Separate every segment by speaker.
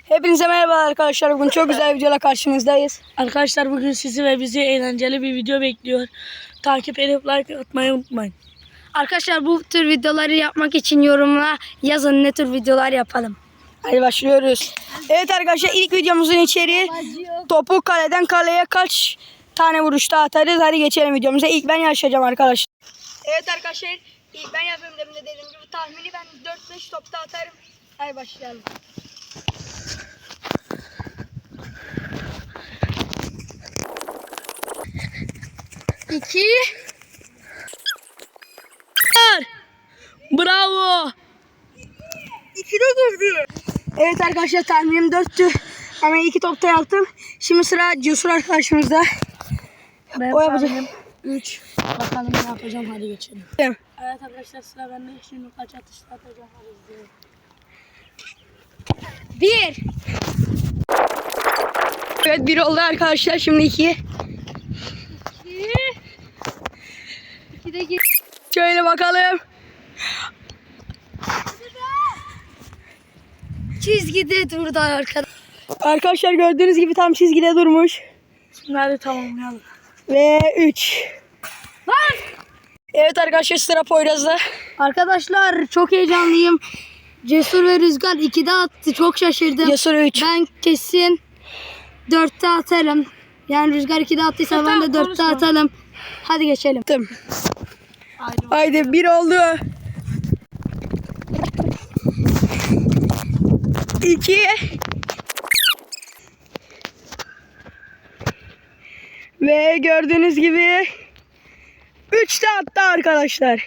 Speaker 1: Hepinize merhaba arkadaşlar. Bugün çok güzel bir videoyla karşınızdayız.
Speaker 2: Arkadaşlar bugün sizi ve bizi eğlenceli bir video bekliyor. Takip edip like atmayı unutmayın.
Speaker 3: Arkadaşlar bu tür videoları yapmak için yorumla yazın ne tür videolar yapalım.
Speaker 1: Hadi başlıyoruz. Evet arkadaşlar, ilk videomuzun içeriği topu kaleden kaleye kaç tane vuruşta atarız. Hadi geçelim videomuza. İlk ben yarışacağım arkadaşlar. Evet arkadaşlar, ilk ben yapıyorum demin de dediğim gibi. Tahmini ben 4-5 topta atarım. Hadi başlayalım. İki.
Speaker 2: Bravo.
Speaker 1: İki de girdi. Evet arkadaşlar, tahminim 4'tü. Hemen 2 topta yaptım. Şimdi sıra Cesur arkadaşımızda.
Speaker 2: Ben
Speaker 1: O yapacak.
Speaker 2: 3. Bakalım ne yapacağım, hadi geçelim.
Speaker 1: Evet.
Speaker 2: Evet arkadaşlar, sıra bende. Şimdi kaç atışta atacağım, hadi izleyelim.
Speaker 3: 1.
Speaker 1: Evet, 1 oldu arkadaşlar. Şimdi 2.
Speaker 3: 2 de gir.
Speaker 1: Şöyle bakalım.
Speaker 3: Çizgide durdu arkadaşlar.
Speaker 1: Arkadaşlar gördüğünüz gibi tam çizgide durmuş.
Speaker 2: Şimdi hadi tamamlayalım.
Speaker 1: Ve 3. Evet arkadaşlar, sıra Poyraz'da.
Speaker 3: Arkadaşlar çok heyecanlıyım. Cesur ve Rüzgar 2'de attı. Çok şaşırdım.
Speaker 1: Cesur 3.
Speaker 3: Ben kesin 4'te atarım. Yani Rüzgar 2'de attıysa ben de 4'te atalım. Hadi geçelim.
Speaker 1: Haydi 1 oldu. 2. Ve gördüğünüz gibi 3 de attı arkadaşlar.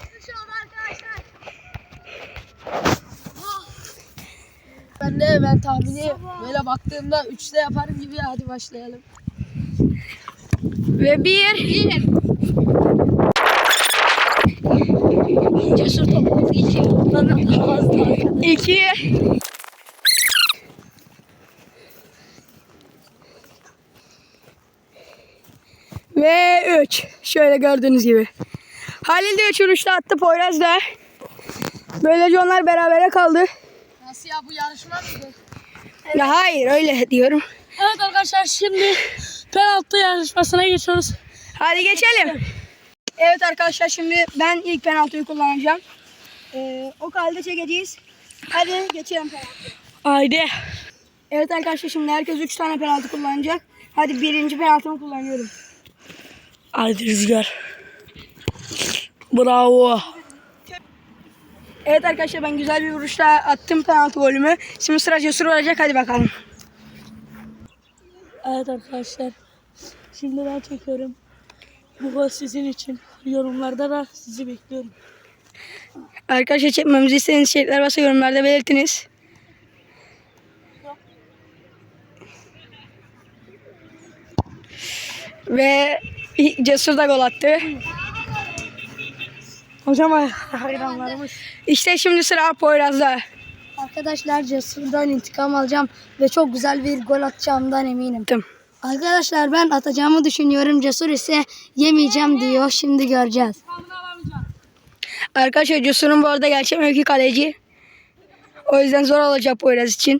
Speaker 2: Ben tahmini böyle baktığımda 3'te yaparım gibi, hadi başlayalım.
Speaker 1: Ve 1.
Speaker 3: Cesur topunu geçiyor. Bana fazla.
Speaker 1: 2. Ve 3. Şöyle gördüğünüz gibi. Halil de 3 vuruşta attı, Poyraz da. Böylece onlar berabere kaldı.
Speaker 2: Nasıl ya, bu yarışma mıydı?
Speaker 1: Ya hayır, öyle diyorum.
Speaker 2: Evet arkadaşlar, şimdi penaltı yarışmasına geçiyoruz.
Speaker 1: Hadi geçelim. Evet arkadaşlar, şimdi ben ilk penaltıyı kullanacağım. O halde çekeceğiz. Hadi geçelim penaltıya.
Speaker 2: Haydi.
Speaker 1: Evet arkadaşlar, şimdi herkes 3 tane penaltı kullanacak. Hadi birinci penaltımı kullanıyorum.
Speaker 2: Haydi Rüzgar. Bravo.
Speaker 1: Evet arkadaşlar, ben güzel bir vuruşla attım penaltı golümü. Şimdi sıra Cesur olacak, hadi bakalım.
Speaker 2: Evet arkadaşlar, şimdi ben çekiyorum. Bu gol sizin için. Yorumlarda da sizi bekliyorum.
Speaker 1: Arkadaşlar, çekmemizi istediğiniz şeyler varsa yorumlarda belirtiniz. Ve Cesur da gol attı.
Speaker 2: Hocam hayranlarımız.
Speaker 1: İşte şimdi sıra Poyraz'da.
Speaker 3: Arkadaşlar Cesur'dan intikam alacağım ve çok güzel bir gol atacağımdan eminim.
Speaker 1: Tamam.
Speaker 3: Arkadaşlar ben atacağımı düşünüyorum. Cesur ise yemeyeceğim diyor. Şimdi göreceğiz.
Speaker 1: Arkadaşlar, Cesur'un bu arada gerçek mevki kaleci. O yüzden zor olacak Poyraz için.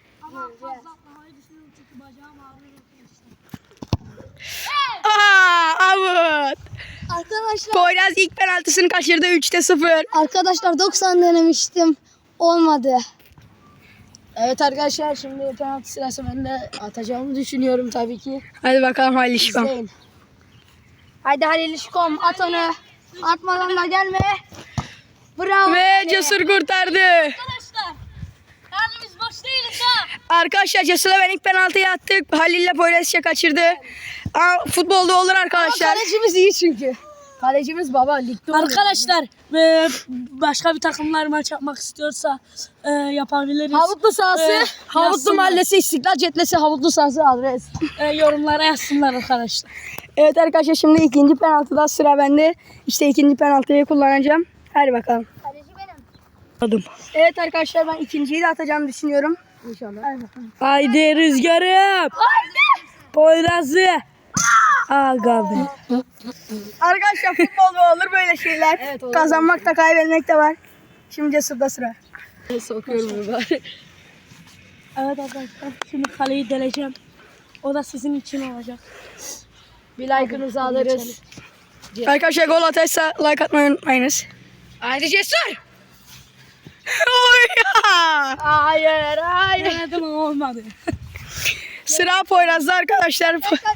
Speaker 1: Out.
Speaker 3: Arkadaşlar
Speaker 1: Poyraz ilk penaltısını kaçırdı, 3'te 0.
Speaker 3: arkadaşlar 90 denemiştim. Olmadı.
Speaker 2: Evet arkadaşlar, şimdi penaltı sırası, ben de atacağımı düşünüyorum tabii ki.
Speaker 1: Hadi bakalım Halil İşbam.
Speaker 2: İzleyin.
Speaker 3: Haydi Halil İşkom at onu. Atmadan da gelme. Bravo.
Speaker 1: Ve Cesur kurtardı.
Speaker 2: Arkadaşlar, yani biz boş değiliz ha.
Speaker 1: Arkadaşlar, Cesur'la ben ilk penaltıyı attık. Halil'le Poyraz kaçırdı. Ama futbolda olur arkadaşlar.
Speaker 2: Kalecimiz iyi çünkü. Kalecimiz baba ligde. Arkadaşlar, başka bir takımlar maç yapmak istiyorsa yapabiliriz.
Speaker 1: Havutlu sahası, Havutlu
Speaker 2: yazsınlar.
Speaker 1: Mahallesi, İstiklal Cetlesi, Havutlu sahası adres.
Speaker 2: Yorumlara yazsınlar arkadaşlar.
Speaker 1: Evet arkadaşlar, şimdi ikinci penaltıda sıra bende. İşte ikinci penaltıyı kullanacağım. Hadi bakalım.
Speaker 3: Kaleci benim.
Speaker 2: Adım.
Speaker 1: Evet arkadaşlar, ben ikinciyi de atacağımı düşünüyorum.
Speaker 3: İnşallah.
Speaker 2: Haydi Rüzgar'ım. Poyraz'ı. Aga be.
Speaker 1: Arkadaşlar, futbolda olur böyle şeyler.
Speaker 3: Evet, olur.
Speaker 1: Kazanmak da kaybetmek de var. Şimdi Cesur'da sıra.
Speaker 2: Sokuyorum bari. Evet arkadaşlar şimdi kaleyi deleceğim. O da sizin için olacak.
Speaker 3: Bir like'ınızı alırız.
Speaker 1: Arkadaşlar gol atarsa like atmayı unutmayınız.
Speaker 3: Haydi Cesur.
Speaker 1: Oy ya!
Speaker 3: Hayır hayır.
Speaker 2: Denedim ama olmadı.
Speaker 1: Sıra Poyraz'da arkadaşlar.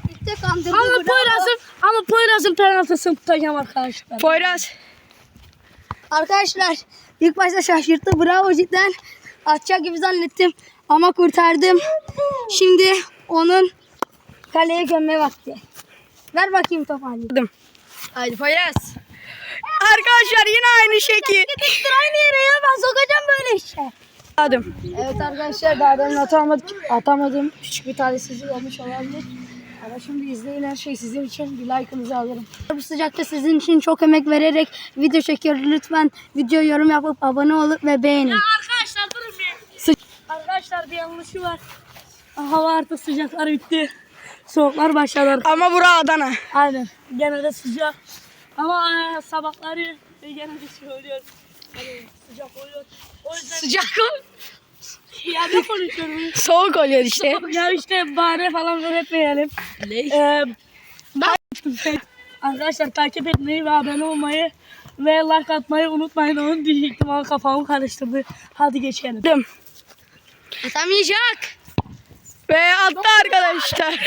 Speaker 2: Ama Poyraz'ın penaltısını tutacağım arkadaşlar.
Speaker 1: Poyraz.
Speaker 3: Arkadaşlar ilk başta şaşırttı. Bravo cidden. Atacak gibi zannettim. Ama kurtardım. Şimdi onun kaleye gömme vakti. Ver bakayım topu hadi.
Speaker 1: Haydi Poyraz. Arkadaşlar yine aynı şekil.
Speaker 3: Aynı yere ya ben sokacağım böyle işe.
Speaker 1: Adım.
Speaker 3: Evet arkadaşlar daha demin atamadım. Küçük bir talihsizlik olmuş olabilir. Ama şimdi izleyin her şey sizin için. Bir like'ınızı alırım. Bu sıcakta sizin için çok emek vererek video çekiyoruz. Lütfen video yorum yapıp abone olup ve beğenin.
Speaker 2: Arkadaşlar durun bir. Arkadaşlar bir yanlışı var. Hava artık sıcaklar bitti. Soğuklar başladı.
Speaker 1: Ama bura Adana.
Speaker 2: Aynen. Gene de sıcak. Ama sabahları gene de söylüyor. Hani sıcak oluyor. O yüzden
Speaker 1: Sıcak ol.
Speaker 2: ya ne konuşuyorum?
Speaker 1: Soğuk oluyor işte.
Speaker 2: Ya işte bahane falan öğretmeyelim. Arkadaşlar takip etmeyi ve abone olmayı ve like atmayı unutmayın. Onu diyecektim ama kafamı karıştırdı. Hadi geçelim.
Speaker 1: Adım.
Speaker 3: Atamayacak.
Speaker 1: Ve attı arkadaşlar.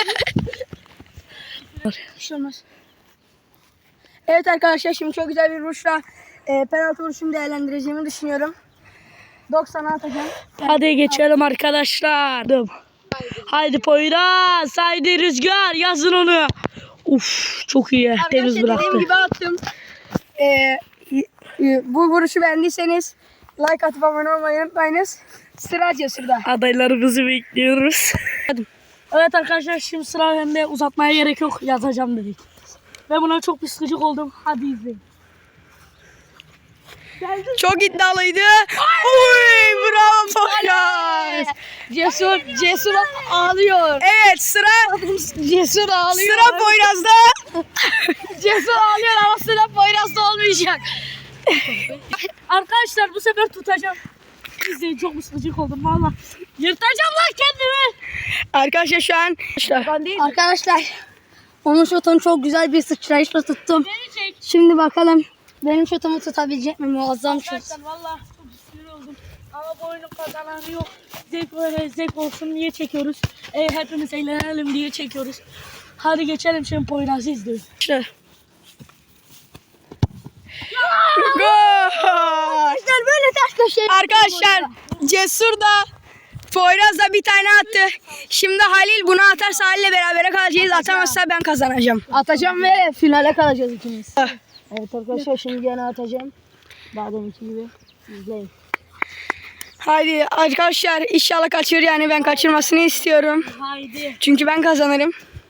Speaker 3: Bir şey olmaz.
Speaker 1: Evet arkadaşlar şimdi çok güzel bir vuruşla penaltı vuruşumu değerlendireceğimi düşünüyorum. 90'a atacağım.
Speaker 2: Hadi geçelim arkadaşlar. Haydi Poyraz, haydi Rüzgar yazın onu. Uf çok iyi. Temiz
Speaker 1: Arkadaşlar dediğim
Speaker 2: bıraktı.
Speaker 1: gibi attım. Bu vuruşu beğendiyseniz like atıp abone olmayı unutmayınız. Sıra Cesur'da.
Speaker 2: Adaylarımızı bekliyoruz. Evet arkadaşlar şimdi sıra bende, uzatmaya gerek yok, yazacağım dedik. Ve buna çok bir sıkıcık oldum. Hadi izleyin.
Speaker 1: Çok iddialıydı. Oy bravo Poyraz.
Speaker 3: Cesur ağlıyor.
Speaker 1: Evet sıra
Speaker 3: Cesur ağlıyor.
Speaker 1: sıra Poyraz'da.
Speaker 3: Cesur ağlıyor ama sıra Poyraz'da olmayacak.
Speaker 2: Arkadaşlar bu sefer tutacağım. İzleyin, çok bir sıkıcık oldum valla. Yırtacağım lan kendimi.
Speaker 1: Arkadaşlar şu an
Speaker 3: Arkadaşlar onun şutunu çok güzel bir sıçrayışla tuttum.
Speaker 2: Beni çek.
Speaker 3: Şimdi bakalım benim şutumu tutabilecek mi? Muazzam şut.
Speaker 2: Arkadaşlar valla çok sinir oldum. Ama bu oyunun kazananı yok. Zevk böyle zevk olsun diye çekiyoruz. Hepimiz eğlenelim diye çekiyoruz. Hadi geçelim şimdi Poyraz'ı izliyoruz.
Speaker 1: Gol.
Speaker 3: Arkadaşlar böyle ters köşeye.
Speaker 1: Arkadaşlar Cesur da Poyraz da bir tane attı. Şimdi Halil bunu atarsa Halil'le berabere kalacağız. Atamazsa ben kazanacağım.
Speaker 3: Atacağım ve finale kalacağız ikimiz. Evet arkadaşlar şimdi gene atacağım. Daha deminki gibi. İzleyin.
Speaker 1: Haydi arkadaşlar inşallah kaçır, yani ben kaçırmasını istiyorum.
Speaker 2: Haydi.
Speaker 1: Çünkü ben kazanırım.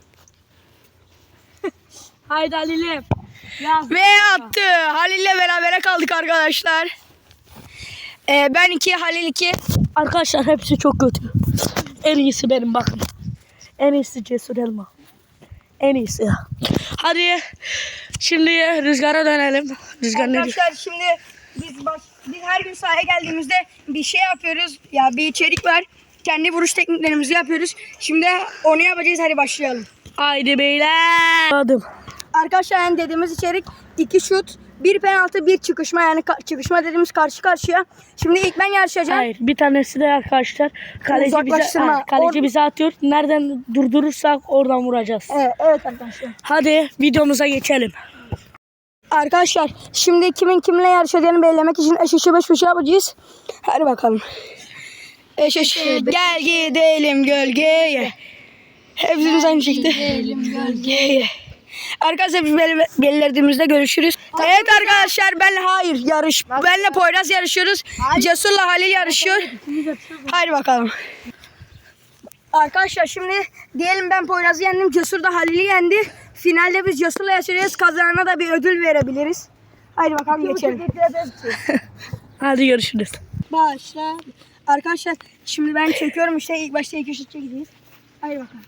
Speaker 2: Haydi Halil'im. Yaz.
Speaker 1: Ve attı. Halil'le berabere kaldık arkadaşlar. Ben 2, Halil 2.
Speaker 2: Arkadaşlar hepsi çok kötü. En iyisi benim bakın. En iyisi Cesur Elma. En iyisi ya. Hadi şimdi Rüzgar'a dönelim. Rüzgar ne diyor?
Speaker 1: Arkadaşlar şimdi biz her gün sahaya geldiğimizde bir şey yapıyoruz. Ya bir içerik var. Kendi vuruş tekniklerimizi yapıyoruz. Şimdi onu yapacağız. Hadi başlayalım.
Speaker 2: Haydi beyler. Adım.
Speaker 1: Arkadaşlar yani dediğimiz içerik 2 şut, 1 penaltı, 1 çıkışma, yani çıkışma dediğimiz karşı karşıya. Şimdi ilk ben yarışacağım.
Speaker 2: Hayır, bir tanesi de arkadaşlar
Speaker 1: Uzaklaştırma.
Speaker 2: kaleci bize atıyor. Nereden durdurursak oradan vuracağız.
Speaker 1: Evet arkadaşlar.
Speaker 2: Hadi videomuza geçelim.
Speaker 1: Arkadaşlar şimdi kimin kimle yarışacağını belirlemek için eş eşi beş beşe yapacağız. Hadi bakalım. Eş eş. Gel gidelim gölgeye. Hepimiz aynı şekilde. Gölgeye. Arkadaşlar biz belirlediğimizde görüşürüz. Evet arkadaşlar benle Poyraz yarışıyoruz. Cesur'la Halil yarışıyor. Hadi bakalım. Arkadaşlar şimdi diyelim ben Poyraz'ı yendim, Cesur da Halil'i yendi. Finalde biz Cesur'la yarışacağız. Kazanana da bir ödül verebiliriz. Hadi bakalım geçelim.
Speaker 2: Hadi görüşürüz.
Speaker 1: Başla. Arkadaşlar şimdi ben çekiyorum işte, ilk başta 2 şut çekeceğiz. Hadi bakalım.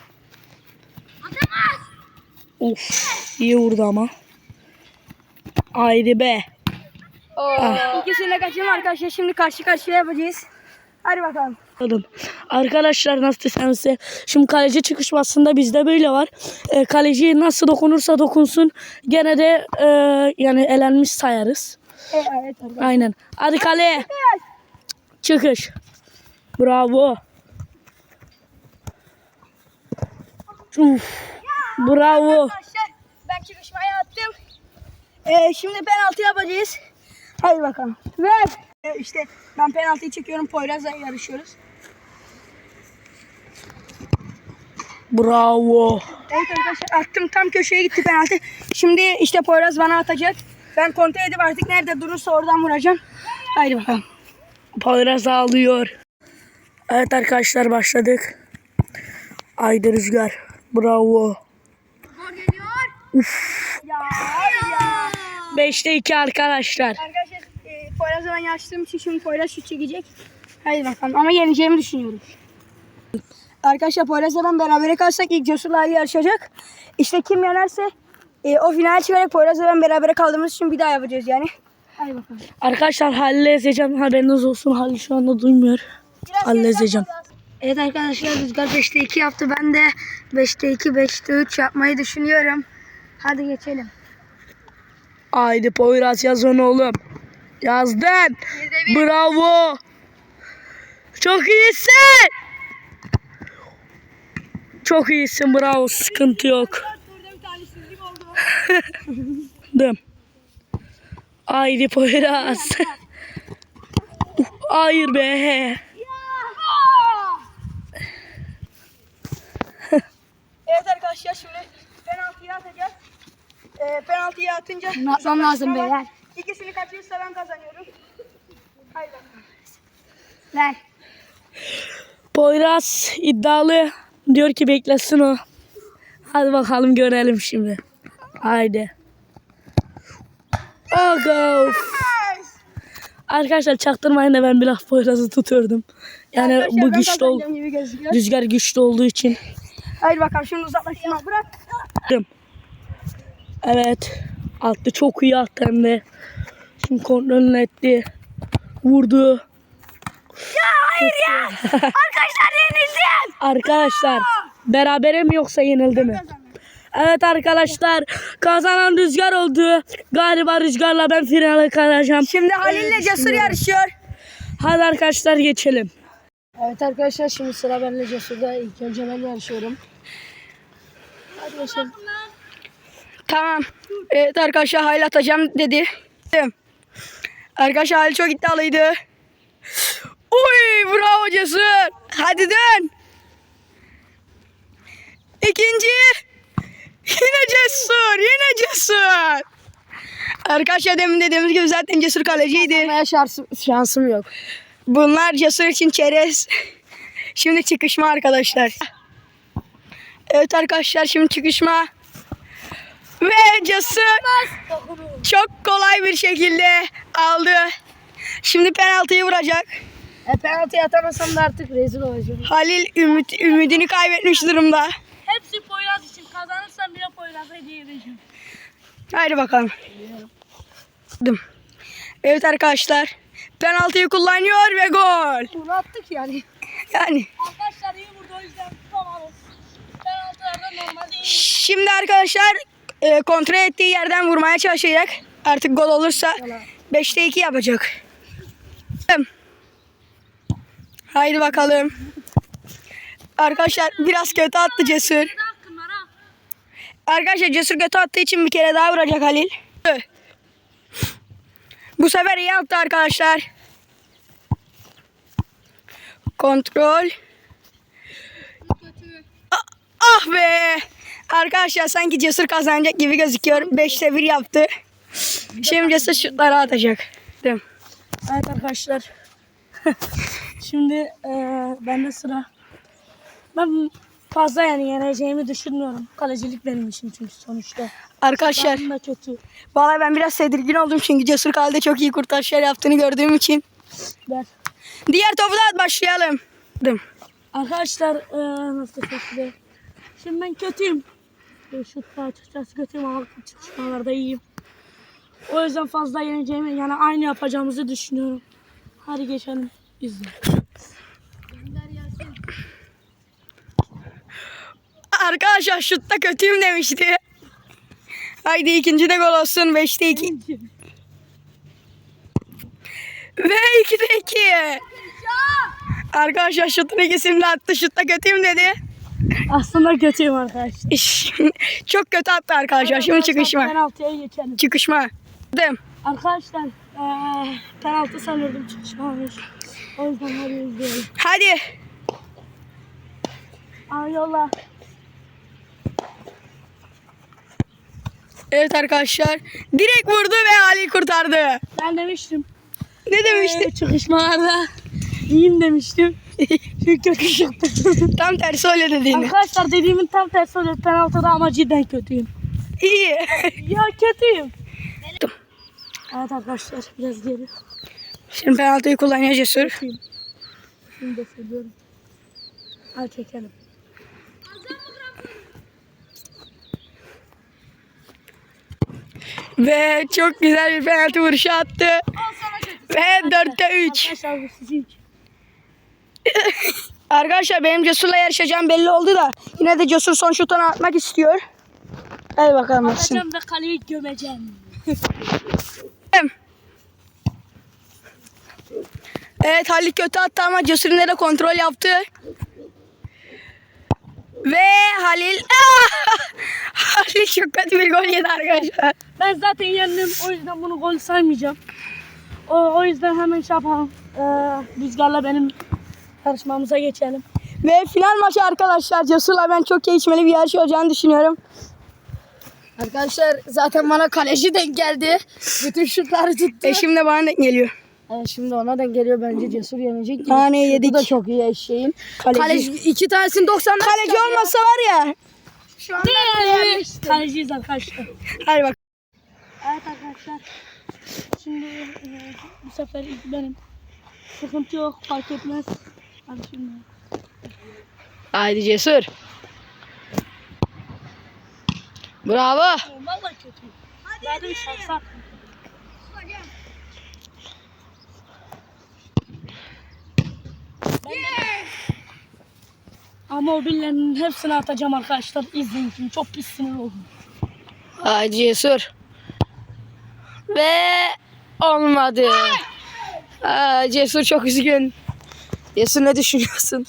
Speaker 2: Of, iyi vurdu ama. Haydi be.
Speaker 1: İkisini de kaçırdım arkadaşlar. Şimdi karşı karşıya yapacağız. Hadi bakalım.
Speaker 2: Arkadaşlar nasıl desem size. Şimdi kaleci çıkışmasında bizde böyle var. Kaleci nasıl dokunursa dokunsun gene de yani elenmiş sayarız.
Speaker 1: Evet.
Speaker 2: Aynen. Hadi kaleye. Çıkış. Bravo. Uf. Bravo.
Speaker 1: Arkadaşlar ben çıkışmaya attım. Şimdi penaltı yapacağız. Hadi bakalım. Ver. İşte ben penaltıyı çekiyorum. Poyraz'la yarışıyoruz.
Speaker 2: Bravo.
Speaker 1: Evet arkadaşlar attım, tam köşeye gitti penaltı. Şimdi işte Poyraz bana atacak. Ben kontrol edip artık nerede durursa oradan vuracağım. Haydi bakalım.
Speaker 2: Poyraz ağlıyor. Evet arkadaşlar başladık. Haydi Rüzgar. Bravo.
Speaker 1: Gol geliyor. Ya.
Speaker 2: 5'te 2 arkadaşlar.
Speaker 1: Arkadaşlar Poyraz'la ben yarıştığım için şimdi Poyraz şut çekecek. Haydi bakalım ama yeneceğimi düşünüyorum. Arkadaşlar Poyraz'la ben berabere kalsak ilk Cesur'la Ali yarışacak. İşte kim yenerse o final çıkarak Poyraz'la ben berabere kaldığımız için bir daha yapacağız yani. Haydi bakalım.
Speaker 2: Arkadaşlar Halil'i ezeceğim. Haberiniz olsun. Halil şu anda duymuyor. Halil'i ezeceğim.
Speaker 3: Evet arkadaşlar Rüzgar 5'te 2 yaptı. Ben de 5'te 2, 5'te 3 yapmayı düşünüyorum. Hadi geçelim.
Speaker 2: Haydi Poyraz yaz onu oğlum. Yazdın. Bravo. Çok iyisin. Çok iyisin. Bravo. Sıkıntı yok. Dım. Haydi Poyraz. Hayır be.
Speaker 1: Evet arkadaşlar şimdi penaltıyı atacağız. Penaltıyı atınca
Speaker 3: Ne yapmam lazım beyler?
Speaker 1: İkisini kaçırırsa ben kazanıyorum. Haydi bakalım.
Speaker 3: Ver.
Speaker 2: Poyraz iddialı. Diyor ki beklesin o. Hadi bakalım görelim şimdi. Haydi. Aga. Arkadaşlar çaktırmayın da ben biraz Poyraz'ı tutuyordum. Yani
Speaker 1: Arkadaşlar,
Speaker 2: bu
Speaker 1: ben
Speaker 2: güçlü
Speaker 1: kazanacağım gibi gözüküyor.
Speaker 2: Rüzgar güçlü olduğu için.
Speaker 1: Haydi bakalım şimdi uzaklaştırma bırak.
Speaker 2: Evet. Attı, çok iyi attı hem de. Şimdi kontrolünü etti. Vurdu.
Speaker 1: Arkadaşlar yenildim.
Speaker 2: Arkadaşlar berabere mi yoksa yenildi mi? Evet arkadaşlar kazanan Rüzgar oldu. Galiba Rüzgar'la ben finale kalacağım.
Speaker 1: Şimdi Halil'le Cesur yarışıyor.
Speaker 2: Hadi arkadaşlar geçelim.
Speaker 3: Evet arkadaşlar şimdi sıra benimle Cesur'da. İlk önce ben yarışıyorum. Hadi geçelim.
Speaker 1: Tamam. Evet arkadaşlar Halil atacağım dedi. Arkadaşlar Halil çok iddialıydı. Uy bravo Cesur. Hadi dön. İkinci. Yine Cesur. Yine Cesur. Arkadaşlar demin dediğimiz gibi zaten Cesur kaleciydi.
Speaker 3: Kazanmaya şansım yok.
Speaker 1: Bunlar Cesur için çerez. Şimdi çıkışma arkadaşlar. Evet arkadaşlar şimdi çıkışma. Ve Cesur çok kolay bir şekilde aldı. Şimdi penaltıyı vuracak.
Speaker 3: Penaltı atamasam da artık rezil olacağım.
Speaker 1: Halil ümidini kaybetmiş durumda.
Speaker 2: Hepsi Poyraz için, kazanırsam bile Poyraz'a hediye edeceğim.
Speaker 1: Haydi bakalım. Evet arkadaşlar. Penaltıyı kullanıyor ve gol.
Speaker 3: Bunu attık yani.
Speaker 1: Yani.
Speaker 2: Arkadaşlar iyi vurdu, o yüzden tutamadım. Penaltılarda normal değil.
Speaker 1: Şimdi arkadaşlar kontrol ettiği yerden vurmaya çalışacak. Artık gol olursa 5'te 2 yapacak. Haydi bakalım. Arkadaşlar biraz kötü attı Cesur. Arkadaşlar Cesur kötü attığı için bir kere daha vuracak Halil. Bu sefer iyi attı arkadaşlar. Kontrol. Ah be. Arkadaşlar sanki Cesur kazanacak gibi gözüküyor. 5'te 1 yaptı. Şimdi Cesur şutları atacak. Değil mi?
Speaker 2: Evet arkadaşlar. Şimdi bende sıra. Ben fazla yani yeneceğimi düşünmüyorum. Kalecilik benim işim çünkü sonuçta.
Speaker 1: Arkadaşlar
Speaker 2: Ben de kötü.
Speaker 1: vallahi ben biraz tedirgin oldum çünkü Cesur kalede çok iyi kurtarışlar yaptığını gördüğüm için.
Speaker 2: Ver.
Speaker 1: Diğer topu da at, başlayalım. Değil mi?
Speaker 2: Arkadaşlar nasıl kötü. Şimdi ben kötüyüm. Şutta açıkçası kötüyüm ama çıkışmalarda iyiyim. O yüzden fazla yeneceğimi yani aynı yapacağımızı düşünüyorum. Hadi geçelim. İzle.
Speaker 1: Arkadaşlar şutta kötüyüm demişti. Haydi ikinci de gol olsun. 5'te 2. Ve 2'de 2. Arkadaşlar şutun ikisini de attı. Şutta kötüyüm dedi.
Speaker 2: Aslında kötüyüm arkadaşlar.
Speaker 1: Çok kötü attı arkadaşlar. Şimdi çıkışma.
Speaker 2: Penaltıya geçelim.
Speaker 1: Çıkışma. Dım.
Speaker 2: Arkadaşlar penaltı sanırdım, çıkışmamış. O yüzden hadi izleyelim.
Speaker 1: Hadi.
Speaker 2: Yolla.
Speaker 1: Evet arkadaşlar. Direkt vurdu ve Halil kurtardı.
Speaker 2: Ben demiştim.
Speaker 1: Ne demişti?
Speaker 2: Çıkışmalarda iyiyim demiştim. Çünkü kötü çıktı.
Speaker 1: Tam tersi öyle dediğini.
Speaker 2: Arkadaşlar dediğimin tam tersi oluyor penaltıda ama cidden kötüyüm.
Speaker 1: İyi.
Speaker 2: Ya kötüyüm. Evet arkadaşlar biraz geri.
Speaker 1: Şimdi penaltıyı kullanıyor Cesur.
Speaker 2: Şimdi de söylüyorum. Hadi çekelim.
Speaker 1: Ve çok güzel bir penaltı vuruşu attı. Ve 4'te 3.
Speaker 2: Arkadaşlar bu sizin için.
Speaker 1: Arkadaşlar benim Cesur'la yarışacağım belli oldu da yine de Cesur son şutunu atmak istiyor. Hadi bakalım atsın.
Speaker 2: Atacağım ve kaleyi gömeceğim.
Speaker 1: Evet Halil kötü attı ama Cesur yine de kontrol yaptı. Ve Halil Halil çok kötü bir gol yedi arkadaşlar.
Speaker 2: Ben zaten yendim, o yüzden bunu gol saymayacağım. O yüzden hemen şey yapalım. Rüzgar'la benim yarışmamıza geçelim.
Speaker 1: Ve final maçı arkadaşlar. Cesur'la ben çok keyifli bir yarış olacağını düşünüyorum.
Speaker 3: Arkadaşlar zaten bana kaleci denk geldi. Bütün şutları tuttu.
Speaker 1: Şimdi bana denk geliyor.
Speaker 3: Şimdi ona denk geliyor, bence Cesur yenecek.
Speaker 1: Tane yedik.
Speaker 3: Bu da çok iyi eşeğin.
Speaker 1: Kaleci.
Speaker 3: İki tanesini 90'dan
Speaker 1: Kaleci olmasa var ya.
Speaker 3: Şu anda
Speaker 2: Kaleciyiz arkadaşlar.
Speaker 1: Hadi bak.
Speaker 2: Evet arkadaşlar. Şimdi bu sefer ilk benim. Sıkıntı yok, fark etmez. Hadi şimdi.
Speaker 1: Haydi Cesur. Bravo.
Speaker 2: Vallahi kötü. Hadi bir şansa. Ama o billerin hepsini atacağım arkadaşlar. İzleyin şimdi. Çok pis sinir oldum.
Speaker 1: Haydi Cesur. Ve olmadı. Cesur çok üzgün. Cesur ne düşünüyorsun?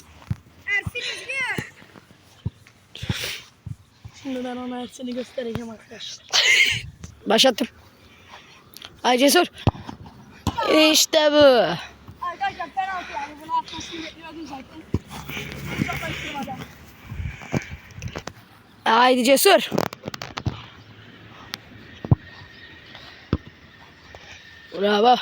Speaker 2: Şimdi ben ona hepsini göstereceğim arkadaşlar.
Speaker 1: Başlattım. Haydi Cesur. İşte bu.
Speaker 2: Arkadaşlar penaltı yani. Bunu atmasını bekliyordum zaten. Uzaklaştırmadan.
Speaker 1: Haydi Cesur. Bravo.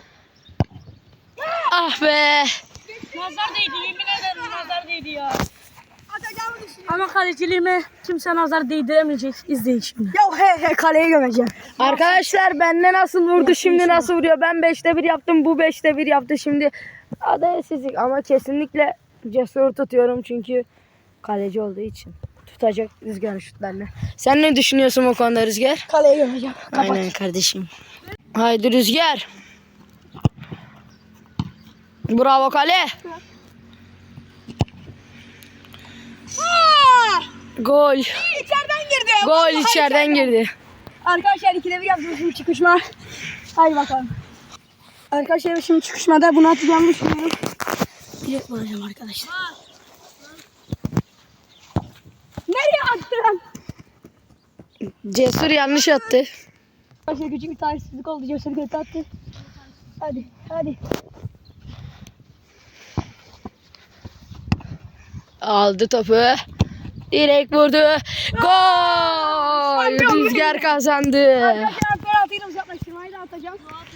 Speaker 1: Ah be.
Speaker 2: Nazar değdi, yemin ederim nazar değdi ya. Ama kaleciliğime kimse nazar değdiremeyecek. İzleyin şimdi.
Speaker 1: Ya he kaleye gömeceğim. Arkadaşlar bende nasıl vurdu şimdi nasıl vuruyor. Ben 5'te 1 yaptım, bu 5'te 1 yaptı şimdi. Adaletsizlik ama kesinlikle Cesur tutuyorum çünkü kaleci olduğu için. Tutacak Rüzgar şutlarla. Sen ne düşünüyorsun o konuda Rüzgar? Kaleye gömeceğim. Aynen kardeşim. Haydi Rüzgar. Bravo kale. Gol. İçeriden girdi. Gol içeriden girdi. Arkadaşlar 2'de 1 yaptım şimdi çıkışma. Hadi bakalım. Arkadaşlar şimdi çıkışmada bunu atacağımı düşünüyorum. Direkt vuracağım arkadaşlar. Nereye attın? Cesur yanlış attı. Arkadaşlar küçük bir talihsizlik oldu. Cesur kötü attı. Hadi hadi. Aldı topu. Direkt vurdu. Gol! Rüzgar kazandı.
Speaker 3: penaltıyla uzaklaştırmayı da atacağım.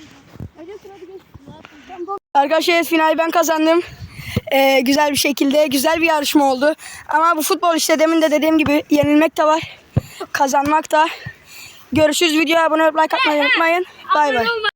Speaker 1: Arkadaşlar finali ben kazandım. Güzel bir şekilde güzel bir yarışma oldu. Ama bu futbol işte demin de dediğim gibi yenilmek de var. Kazanmak da. Görüşürüz. Videoya abone olup like atmayı unutmayın. Bay bay.